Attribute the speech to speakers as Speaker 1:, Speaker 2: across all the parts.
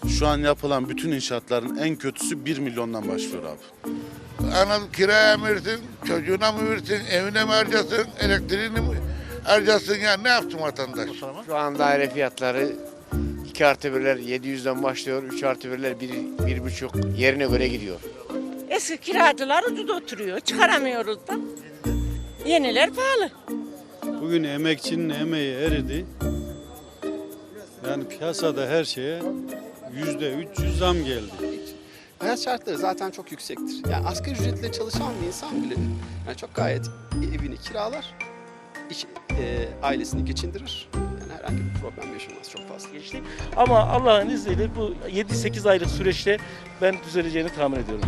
Speaker 1: Şu an yapılan bütün inşaatların en kötüsü 1 milyondan başlıyor abi.
Speaker 2: Anadolu kiraya mı versin, çocuğuna mı versin, evine mi harcasın, elektriğini mi harcasın, ya ne yapsın vatandaş?
Speaker 3: Şu an daire fiyatları 2 artı 1'ler 700'den başlıyor, 3 artı 1'ler 1,5 yerine göre gidiyor.
Speaker 4: Eski kiracılar ucuz oturuyor. Çıkaramıyoruz da. Yeniler pahalı.
Speaker 5: Bugün emekçinin emeği eridi. Yani piyasada her şeye %300 zam geldi.
Speaker 6: Hayat şartları zaten çok yüksektir. Yani asgari ücretle çalışan bir insan bile yani çok gayet evini kiralar, ailesini geçindirir. Yani herhangi bir problem yaşamaz çok fazla.
Speaker 7: Geçti. Ama Allah'ın izniyle bu 7-8 aylık süreçte ben düzeleceğini tahmin ediyorum.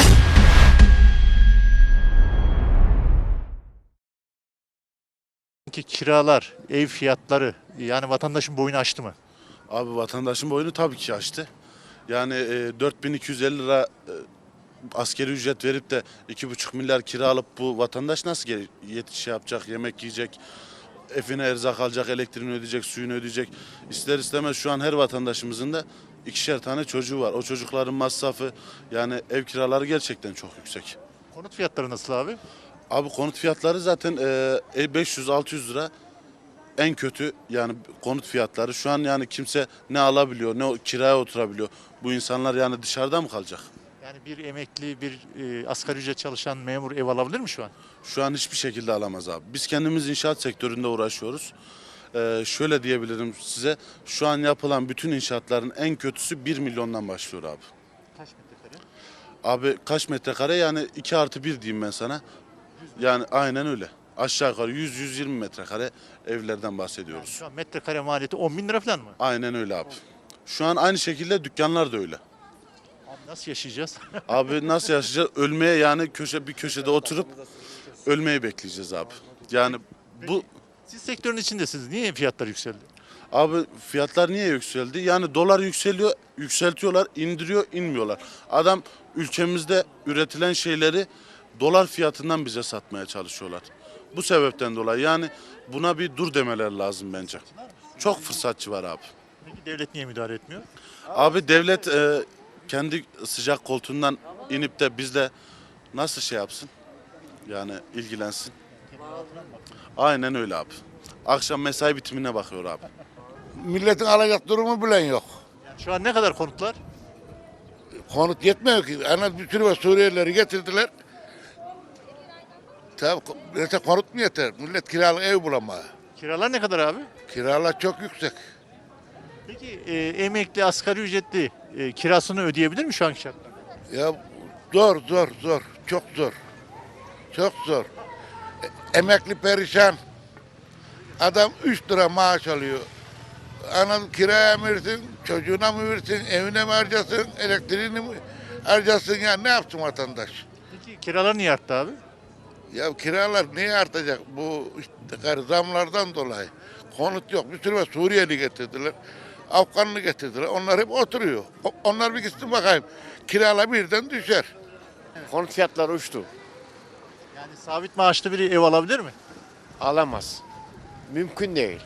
Speaker 8: Kiralar, ev fiyatları yani vatandaşın boyunu aştı mı?
Speaker 1: Abi vatandaşın boyunu tabii ki aştı. Yani 4250 lira askeri ücret verip de 2,5 milyar kira alıp bu vatandaş nasıl şey yapacak, yemek yiyecek, evine erzak alacak, elektriğini ödeyecek, suyunu ödeyecek. İster istemez şu an her vatandaşımızın da 2'şer tane çocuğu var. O çocukların masrafı, yani ev kiraları gerçekten çok yüksek.
Speaker 8: Konut fiyatları nasıl abi?
Speaker 1: Abi konut fiyatları zaten 500-600 lira en kötü, yani konut fiyatları. Şu an yani kimse ne alabiliyor, ne kiraya oturabiliyor. Bu insanlar yani dışarıda mı kalacak?
Speaker 8: Yani bir emekli, bir asgari ücret çalışan memur ev alabilir mi şu an?
Speaker 1: Şu an hiçbir şekilde alamaz abi. Biz kendimiz inşaat sektöründe uğraşıyoruz. Şöyle diyebilirim size, şu an yapılan bütün inşaatların en kötüsü 1 milyondan başlıyor abi.
Speaker 8: Kaç metrekare?
Speaker 1: Abi kaç metrekare, yani 2 artı 1 diyeyim ben sana. Yani aynen öyle. Aşağı yukarı 100-120 metrekare evlerden bahsediyoruz.
Speaker 8: Şu an metrekare maliyeti 10 bin lira falan mı?
Speaker 1: Aynen öyle abi. Şu an aynı şekilde dükkanlar da öyle.
Speaker 8: Abi nasıl yaşayacağız?
Speaker 1: Abi nasıl yaşayacağız? Ölmeye, yani bir köşede oturup ölmeyi bekleyeceğiz abi. Yani bu
Speaker 8: Siz sektörün içindesiniz. Niye fiyatlar yükseldi?
Speaker 1: abi fiyatlar niye yükseldi? Yani dolar yükseliyor, yükseltiyorlar, indiriyor, inmiyorlar. Adam ülkemizde üretilen şeyleri dolar fiyatından bize satmaya çalışıyorlar. Bu sebepten dolayı yani buna bir dur demeler lazım bence. Çok fırsatçı var abi.
Speaker 8: Peki devlet niye müdahale etmiyor?
Speaker 1: Abi devlet kendi sıcak koltuğundan inip de bizle nasıl şey yapsın? Yani ilgilensin. Aynen öyle abi. Akşam mesai bitimine bakıyor abi.
Speaker 2: Milletin alacak durumu bilen yok.
Speaker 8: Yani şu an ne kadar konutlar?
Speaker 2: Konut yetmiyor ki. Bir sürü Suriyelileri getirdiler. Tabii konut mu yeter? Millet kiralık ev bulamıyor.
Speaker 8: Kiralar ne kadar abi?
Speaker 2: Kiralar çok yüksek.
Speaker 8: Peki emekli, asgari ücretli kirasını ödeyebilir mi şu anki şartlarda?
Speaker 2: Ya zor. Çok zor. Çok zor. Emekli perişan. Adam 3 lira maaş alıyor. Anadolu kiraya mı versin, çocuğuna mı versin, evine mi harcasın, elektriğini mi harcasın, ya ne yapsın vatandaş?
Speaker 8: Peki kiralar niye arttı abi?
Speaker 2: Ya kiralar niye artacak? Bu işte zamlardan dolayı. Konut yok. Bir sürü Suriyeli getirdiler. Afganlı getirdiler. Onlar hep oturuyor. Onlar bir gitsin bakayım. Kiralar birden düşer.
Speaker 3: Konut fiyatları uçtu.
Speaker 8: Yani sabit maaşlı biri ev alabilir mi?
Speaker 3: Alamaz. Mümkün değil.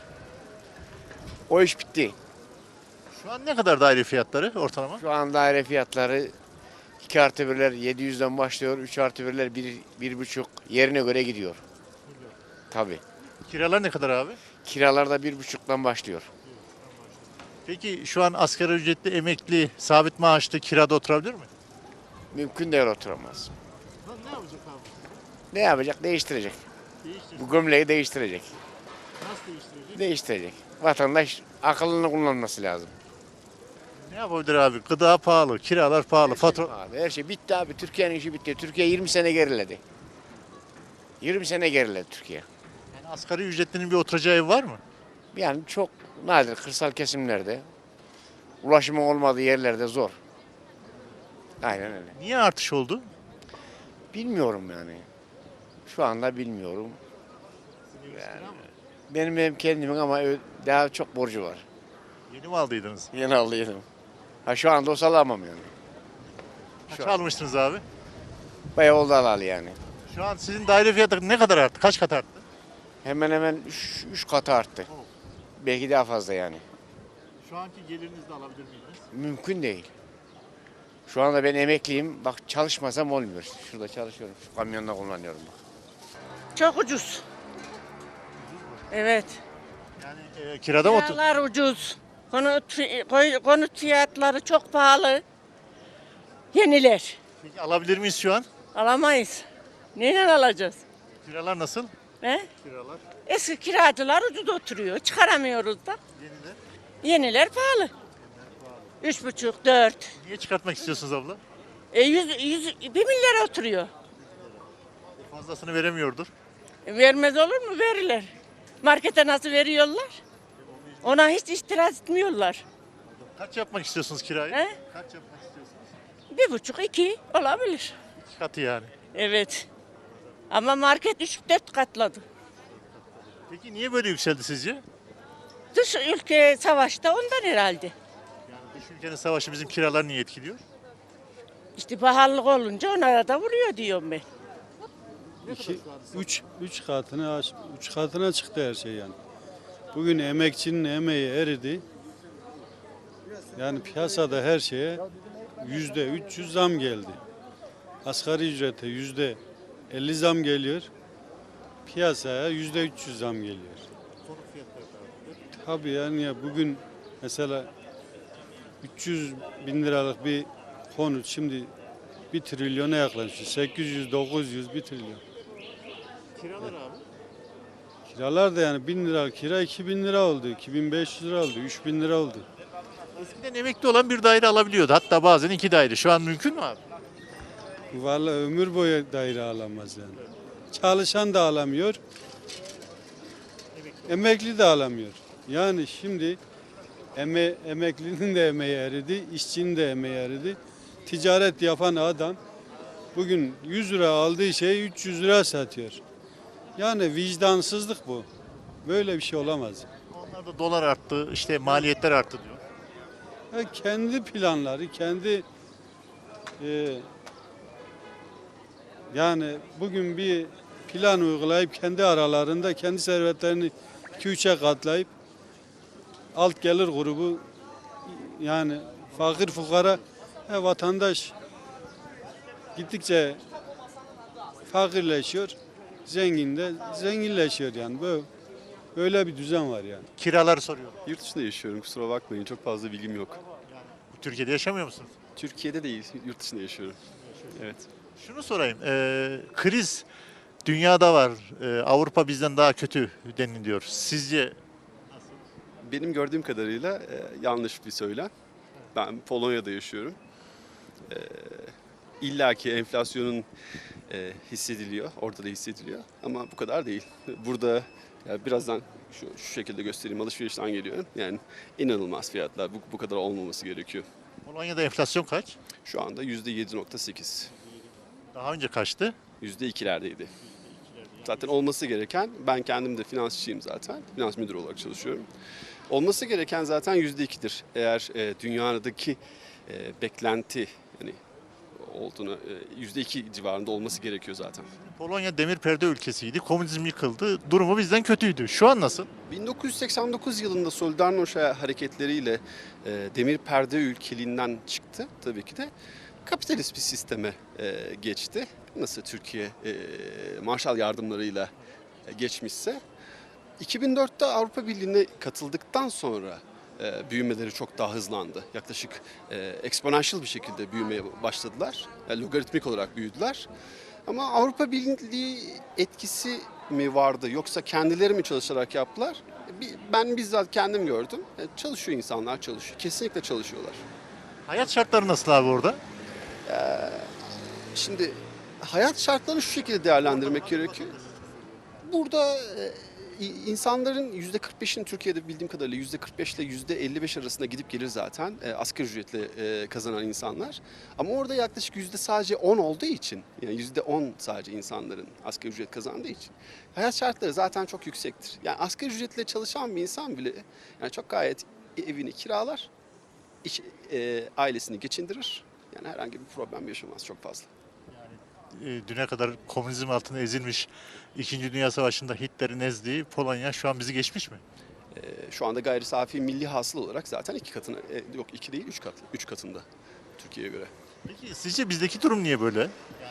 Speaker 3: O iş bitti.
Speaker 8: Şu an ne kadar daire fiyatları ortalama?
Speaker 3: Şu an daire fiyatları 2 artı 1'ler 700'den başlıyor, 3 artı 1'ler 1,5 yerine göre gidiyor. Tabii.
Speaker 8: Kiralar ne kadar abi?
Speaker 3: Kiralar da 1,5'dan başlıyor.
Speaker 8: Peki şu an asgari ücretli, emekli, sabit maaşlı kirada oturabilir mi?
Speaker 3: Mümkün değil, oturamaz.
Speaker 8: Ne yapacak abi?
Speaker 3: Ne yapacak? Değiştirecek. Bu gömleği değiştirecek.
Speaker 8: Nasıl değiştirecek?
Speaker 3: Değiştirecek. Vatandaş akıllını kullanması lazım.
Speaker 8: Ne yapabilir abi? Gıda pahalı, kiralar pahalı, fatura...
Speaker 3: Abi her şey bitti abi. Türkiye'nin işi bitti. Türkiye 20 sene geriledi. 20 sene geriledi Türkiye.
Speaker 8: Yani asgari ücretlinin bir oturacağı ev var mı?
Speaker 3: Yani çok nadir kırsal kesimlerde, ulaşımın olmadığı yerlerde zor. Aynen öyle.
Speaker 8: Niye artış oldu?
Speaker 3: Bilmiyorum yani. Şu anda bilmiyorum. Yani, benim hem kendimin ama daha çok borcu var.
Speaker 8: Yeni mi aldıydınız?
Speaker 3: Yeni aldıydım. Ha şu anda olsa alamam yani.
Speaker 8: Kaç almıştınız abi?
Speaker 3: Bayağı oldu alalı yani.
Speaker 8: Şu an sizin daire fiyatı ne kadar arttı? Kaç kat arttı?
Speaker 3: Hemen hemen 3 katı arttı. Belki daha fazla yani.
Speaker 8: Şu anki gelirinizi alabilir miydiniz?
Speaker 3: Mümkün değil. Şu anda ben emekliyim. Bak çalışmasam olmuyor. Şurada çalışıyorum. Şu kamyonda kullanıyorum bak.
Speaker 4: Çok ucuz. Evet.
Speaker 8: Yani kirada mı otur?
Speaker 4: Kiralar ucuz. Konut fiyatları çok pahalı. Yeniler.
Speaker 8: Peki alabilir miyiz şu an?
Speaker 4: Alamayız. Neyle alacağız?
Speaker 8: Kiralar nasıl?
Speaker 4: He?
Speaker 8: Kiralar.
Speaker 4: Eski kiracılar ucuz oturuyor. Çıkaramıyoruz da.
Speaker 8: Yeniler.
Speaker 4: Yeniler pahalı. 3,5, 4.
Speaker 8: Niye çıkartmak istiyorsunuz abla?
Speaker 4: 1 milyar oturuyor.
Speaker 8: Fazlasını veremiyordur.
Speaker 4: Vermez olur mu? Verirler. Markete nasıl veriyorlar? Ona hiç itiraz etmiyorlar.
Speaker 8: Kaç yapmak istiyorsunuz kirayı?
Speaker 4: He?
Speaker 8: Kaç yapmak istiyorsunuz?
Speaker 4: 1,5, 2 olabilir.
Speaker 8: 2 katı yani.
Speaker 4: Evet. Ama market 3-4 katladı.
Speaker 8: Peki niye böyle yükseldi sizce?
Speaker 4: Dış ülke savaşta ondan herhalde.
Speaker 8: Yani dış ülkenin savaşı bizim kiraları niye etkiliyor?
Speaker 4: İşte pahalılık olunca onlara da vuruyor diyorum ben.
Speaker 5: 3 katına çıktı her şey yani. Bugün emekçinin emeği eridi. Yani piyasada her şeye %300 zam geldi. Asgari ücrete %50 zam geliyor. Piyasaya %300 zam geliyor. Tabii yani ya bugün mesela 300 bin liralık bir konut şimdi 1 trilyona yaklaşıyor. 800, 900, 1 trilyon.
Speaker 8: Kiralar abi.
Speaker 5: Kiralar da yani 1000 lira kira 2000 lira oldu, 2500 lira oldu, 3000 lira oldu.
Speaker 8: Eskiden emekli olan bir daire alabiliyordu. Hatta bazen 2 daire. Şu an mümkün mü abi?
Speaker 5: Vallahi ömür boyu daire alamaz yani. Çalışan da alamıyor, emekli de alamıyor. Yani şimdi emeklinin de emeği eridi, işçinin de emeği eridi. Ticaret yapan adam bugün 100 lira aldığı şeyi 300 lira satıyor. Yani vicdansızlık bu. Böyle bir şey olamaz.
Speaker 8: Onlarda dolar arttı, işte maliyetler arttı diyor.
Speaker 5: Ya kendi planları, kendi yani bugün bir plan uygulayıp kendi aralarında kendi servetlerini 2-3'e katlayıp alt gelir grubu yani fakir fukara vatandaş gittikçe fakirleşiyor, zengin de zenginleşiyor yani böyle bir düzen var yani.
Speaker 8: Kiraları soruyor.
Speaker 9: Yurt dışında yaşıyorum, kusura bakmayın, çok fazla bilgim yok.
Speaker 8: Türkiye'de yaşamıyor musunuz?
Speaker 9: Türkiye'de değil, yurt dışında yaşıyorum. Evet.
Speaker 8: Şunu sorayım. Kriz dünyada var. Avrupa bizden daha kötü deniliyor. Sizce
Speaker 9: Benim gördüğüm kadarıyla yanlış bir söylem. Ben Polonya'da yaşıyorum. İlla ki enflasyonun hissediliyor, orada da hissediliyor ama bu kadar değil. Burada ya birazdan şu şekilde göstereyim, alışverişten geliyorum. Yani inanılmaz fiyatlar, bu kadar olmaması gerekiyor.
Speaker 8: Polonya'da enflasyon kaç?
Speaker 9: Şu anda %7.8,
Speaker 8: Daha önce kaçtı?
Speaker 9: %2'lerdeydi. Zaten olması gereken, ben kendim de finansçıyım zaten, finans müdürü olarak çalışıyorum. Olması gereken zaten %2'dir. Eğer dünyadaki beklenti yani olduğunu %2 civarında olması gerekiyor zaten.
Speaker 8: Polonya demir perde ülkesiydi. Komünizm yıkıldı. Durumu bizden kötüydü. Şu an nasıl?
Speaker 9: 1989 yılında Solidarność hareketleriyle demir perde ülkeliğinden çıktı tabii ki de. Kapitalist bir sisteme geçti. Nasıl Türkiye Marshall yardımlarıyla geçmişse. 2004'te Avrupa Birliği'ne katıldıktan sonra büyümeleri çok daha hızlandı. Yaklaşık exponential bir şekilde büyümeye başladılar. Yani logaritmik olarak büyüdüler. Ama Avrupa Birliği etkisi mi vardı yoksa kendileri mi çalışarak yaptılar? Ben bizzat kendim gördüm. Çalışıyor insanlar, çalışıyor. Kesinlikle çalışıyorlar.
Speaker 8: Hayat şartları nasıl abi orada?
Speaker 9: Şimdi hayat şartlarını şu şekilde değerlendirmek gerekiyor. Burada insanların %45'in Türkiye'de bildiğim kadarıyla %45 ile %55 arasında gidip gelir zaten asgari ücretle kazanan insanlar. Ama orada yaklaşık sadece 10 olduğu için yani %10 sadece insanların asgari ücret kazandığı için hayat şartları zaten çok yüksektir. Yani asgari ücretle çalışan bir insan bile yani çok gayet evini kiralar, ailesini geçindirir. Yani herhangi bir problem yaşamaz çok fazla.
Speaker 8: Düne kadar komünizm altında ezilmiş 2. Dünya Savaşı'nda Hitler'in ezdiği Polonya şu an bizi geçmiş mi?
Speaker 9: Şu anda gayri safi milli hasıl olarak zaten 2 katına, yok 2 değil 3 katında Türkiye'ye göre.
Speaker 8: Peki sizce bizdeki durum niye böyle?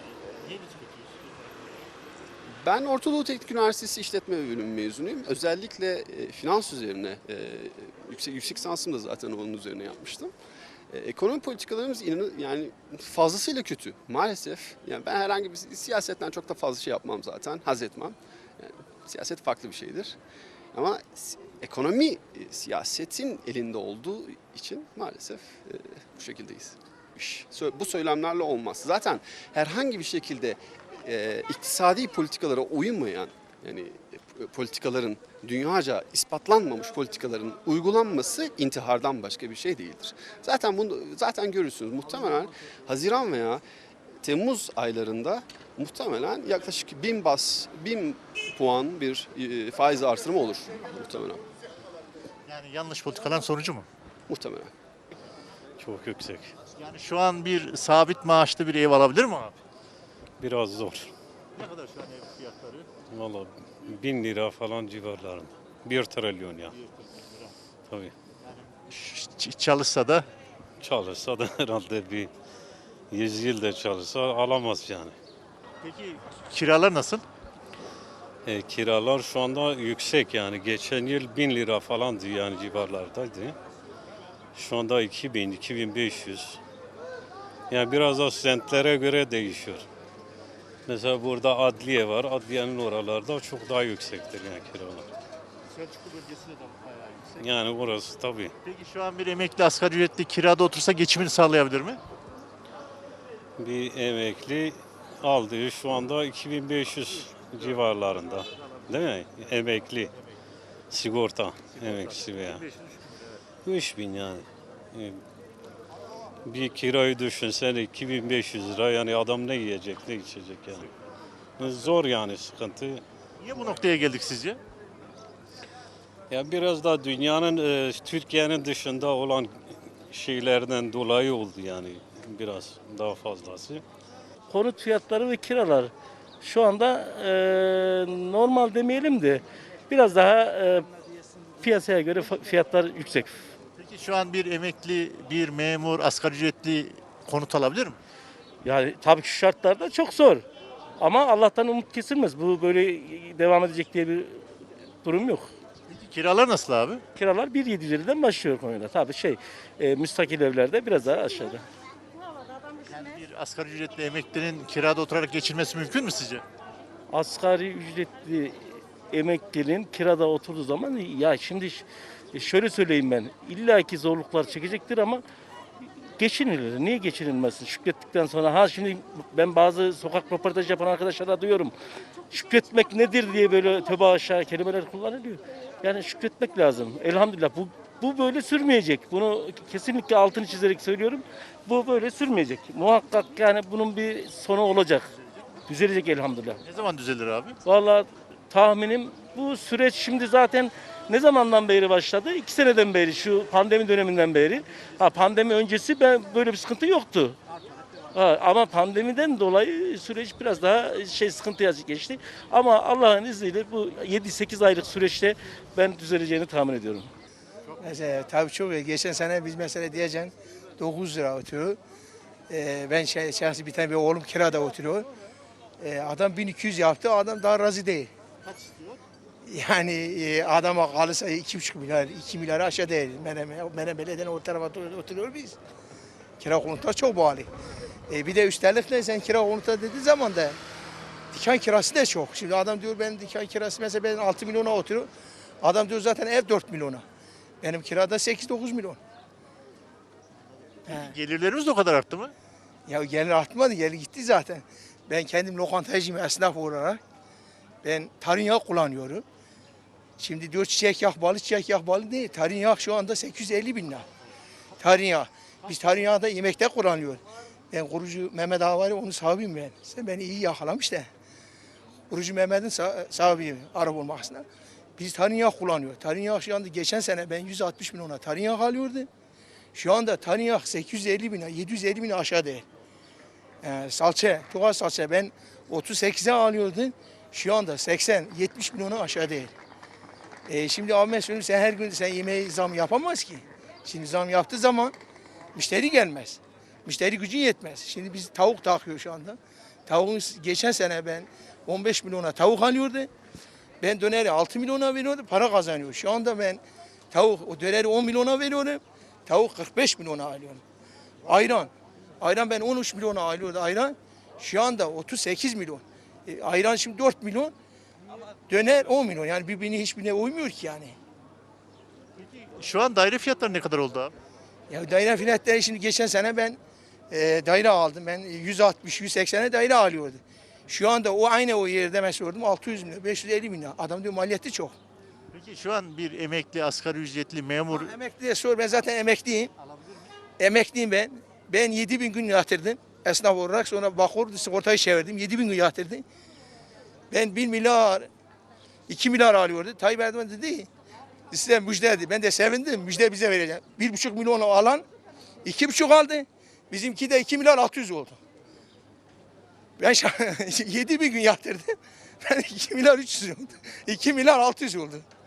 Speaker 9: Ben Orta Doğu Teknik Üniversitesi İşletme Bölümü mezunuyum. Özellikle finans üzerine, yüksek lisansımı da zaten onun üzerine yapmıştım. Ekonomi politikalarımız yani fazlasıyla kötü maalesef. Yani ben herhangi bir siyasetten çok da fazla şey yapmam zaten, haz etmem. Yani, siyaset farklı bir şeydir. Ama ekonomi siyasetin elinde olduğu için maalesef bu şekildeyiz. Bu söylemlerle olmaz. Zaten herhangi bir şekilde iktisadi politikalara uymayan, yani politikaların, dünyaca ispatlanmamış politikaların uygulanması intihardan başka bir şey değildir. Zaten görürsünüz muhtemelen Haziran veya Temmuz aylarında muhtemelen yaklaşık 1000 puan bir faiz artırımı olur muhtemelen.
Speaker 8: Yani yanlış politikaların sonucu mu?
Speaker 9: Muhtemelen.
Speaker 10: Çok yüksek.
Speaker 8: Yani şu an bir sabit maaşlı bir ev alabilir mi abi?
Speaker 10: Biraz zor.
Speaker 8: Ne kadar şu an ev fiyatları?
Speaker 10: Vallahi 1000 lira falan civarlarında. 1 trilyon ya. Tabii.
Speaker 8: Çalışsa da
Speaker 10: Çalışsa da herhalde bir 100 yıl da çalışsa alamaz yani.
Speaker 8: peki kiralar nasıl?
Speaker 10: Kiralar şu anda yüksek yani. Geçen yıl 1000 lira falandı yani civarlardaydı. Şu anda 2000, 2500. Yani biraz da semtlere göre değişiyor. Mesela burada adliye var. Adliyenin oralarda çok daha yüksektir yani kiralar.
Speaker 8: Selçuklu bölgesi de bayağı yüksek.
Speaker 10: Yani orası tabii.
Speaker 8: Peki şu an bir emekli asgari ücretli kirada otursa geçimini sağlayabilir mi?
Speaker 10: Bir emekli aldığı şu anda 2500 civarlarında. Değil mi? Emekli. Sigorta emeklisi veya. 3000 yani. Bir kirayı düşünsen 2500 lira yani adam ne yiyecek ne içecek yani. Zor yani sıkıntı.
Speaker 8: Niye bu noktaya geldik sizce?
Speaker 10: Ya biraz da dünyanın Türkiye'nin dışında olan şeylerden dolayı oldu yani biraz daha fazlası.
Speaker 7: Konut fiyatları ve kiralar şu anda normal demeyelim de biraz daha piyasaya göre fiyatlar yüksek.
Speaker 8: Peki şu an bir emekli, bir memur, asgari ücretli konut alabilir mi?
Speaker 7: Yani tabii ki şu şartlarda çok zor. Ama Allah'tan umut kesilmez. Bu böyle devam edecek diye bir durum yok.
Speaker 8: Peki kiralar nasıl abi?
Speaker 7: Kiralar 1.750'den başlıyor Konya'da. Tabii müstakil evlerde biraz daha aşağıda.
Speaker 8: Yani bir asgari ücretli emeklinin kirada oturarak geçinmesi mümkün mü sizce?
Speaker 7: Asgari ücretli emeklinin kirada oturduğu zaman ya şimdi şöyle söyleyeyim ben. İllaki zorluklar çekecektir ama geçinilir. Niye geçinilmesin? Şükrettikten sonra şimdi ben bazı sokak röportaj yapan arkadaşlara duyuyorum. Şükretmek nedir diye böyle tövbe aşağı kelimeler kullanılıyor. Yani şükretmek lazım. Elhamdülillah bu böyle sürmeyecek. Bunu kesinlikle altını çizerek söylüyorum. Bu böyle sürmeyecek. Muhakkak yani bunun bir sonu olacak. Düzelecek elhamdülillah.
Speaker 8: Ne zaman düzelir abi?
Speaker 7: Vallahi tahminim bu süreç şimdi zaten ne zamandan beri başladı? 2 seneden beri, şu pandemi döneminden beri. Pandemi öncesi böyle bir sıkıntı yoktu. Ama pandemiden dolayı süreç biraz daha sıkıntıya geçti. Ama Allah'ın izniyle bu 7-8 aylık süreçte ben düzeleceğini tahmin ediyorum.
Speaker 11: Mesela tabii çok iyi. Geçen sene biz mesela diyeceğim 9 lira oturuyor. Ben şahsi bir tane bir oğlum kirada oturuyor. Adam 1200 yaptı, adam daha razı değil.
Speaker 8: Kaç istiyor?
Speaker 11: Yani adama kalırsa 2,5 milyar, 2 milyar aşağı değil. Menem Belediye'nin o tarafa oturuyor biz. Kira konutlar çok pahalı. Bir de üstelik de sen kira konuta dediği zaman da dükkan kirası da çok. Şimdi adam diyor benim dükkan kirası mesela ben 6 milyona oturuyor. Adam diyor zaten ev 4 milyona. Benim kirada 8-9 milyon.
Speaker 8: Gelirlerimiz de o kadar arttı mı?
Speaker 11: Ya gelir artmadı, gelir gitti zaten. Ben kendim lokantacıyım esnaf olarak. Ben tarin yağ kullanıyorum. Şimdi diyor çiçek yağ balı değil. Tarin yağ şu anda 850 bin lira. Tarin yağ. Biz tarin yağı da yemekte kullanıyoruz. Ben kurucu Mehmet Ağa var ya onun sahibiyim ben. Sen beni iyi yakalamış da. Kurucu Mehmet'in sahibiyim araba olmasına. Biz tarin yağ kullanıyoruz. Tarin yağ şu anda geçen sene ben 160 milyona tarin yağ alıyordum. Şu anda tarin yağ 850 bin, 750 bin aşağı değil. Salça, doğal salça ben 38'e alıyordum. Şu anda 80-70 milyona aşağı değil. Şimdi abi ben söyleyeyim sen her gün sen yemeğe zam yapamaz ki. Şimdi zam yaptığı zaman müşteri gelmez. Müşteri gücün yetmez. Şimdi biz tavuk takıyor şu anda. Tavuğun geçen sene ben 15 milyona tavuk alıyordu. Ben döneri 6 milyona veriyordum, para kazanıyor. Şu anda ben o döneri 10 milyona veriyorum. Tavuk 45 milyona alıyorum. Ayran. Ayran ben 13 milyona alıyordum ayran. Şu anda 38 milyon. Ayran şimdi 4 milyon. Döner 10 milyon. Yani hiçbirine uymuyor ki yani.
Speaker 8: Şu an daire fiyatları ne kadar oldu abi?
Speaker 11: Ya daire fiyatları şimdi geçen sene ben daire aldım. Ben 160-180'e daire alıyordum. Şu anda aynı o yerde ben sordum 600 milyon, 550 milyon. Adam diyor maliyeti çok.
Speaker 8: Peki şu an bir emekli, asgari ücretli memur
Speaker 11: Emekliye sor, ben zaten emekliyim. Emekliyim ben. Ben 7.000 gün yatırdım esnaf olarak. Sonra Bakur sigortayı çevirdim. 7.000 gün yatırdım. Ben 1 milyar, 2 milyar alıyordu. Tayyip Erdoğan dedi size müjde dedi. Ben de sevindim. Müjde bize vereceğim. 1,5 milyon alan 2,5 aldı. Bizimki de 2 milyar 600 oldu. Ben 7.000 gün yatırdım. Ben 2 milyar 300 oldu. 2 milyar 600 oldu.